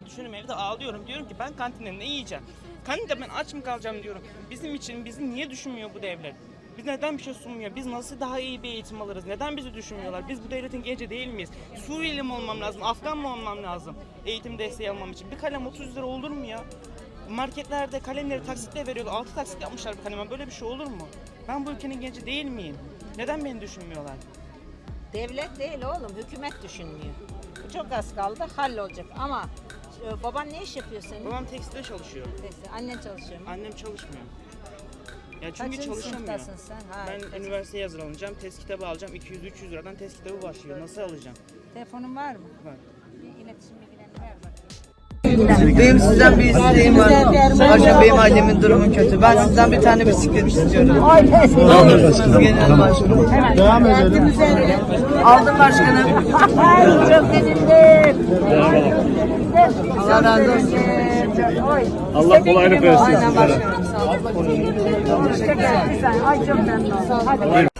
Düşünüyorum, evde ağlıyorum, diyorum ki ben kantinde ne yiyeceğim? Kantinde ben aç mı kalacağım diyorum. Bizim için bizi niye düşünmüyor bu devlet? Biz neden bir şey sunmuyor? Biz nasıl daha iyi bir eğitim alırız? Neden bizi düşünmüyorlar? Biz bu devletin genci değil miyiz? Suriyeli mi olmam lazım? Afgan mı olmam lazım? Eğitim desteği almam için. Bir kalem 30 lira olur mu ya? Marketlerde kalemleri taksitle veriyorlar. 6 taksit yapmışlar bir kaleme. Böyle bir şey olur mu? Ben bu ülkenin genci değil miyim? Neden beni düşünmüyorlar? Devlet değil oğlum, hükümet düşünmüyor. Çok az kaldı, hallolacak ama baban ne iş yapıyor senin? Babam tekstilde çalışıyor. Annen çalışıyor mu? Annem çalışmıyor. Ya çünkü Kaçıncı çalışamıyor. sınıftasın sen? Ha, Ben üniversiteye hazırlanacağım. Test kitabı alacağım. 200-300 liradan test kitabı başlıyor. Nasıl alacağım? Telefonun var mı? Var. Bir iletişim bilgilerini ver bakayım. Benim sizden bir isteğim var. Hocam benim ailemin durumu kötü. Ben sizden bir tane bisiklet istiyorum. Ne olursunuz genel başkanım. Devam edelim. Aldım başkanım. Çok sevindim. Allah razı olsun. Allah kolaylık versin Aynen sizlere. başkanım, sağ olun. Ay çok memnun oldum. Hadi.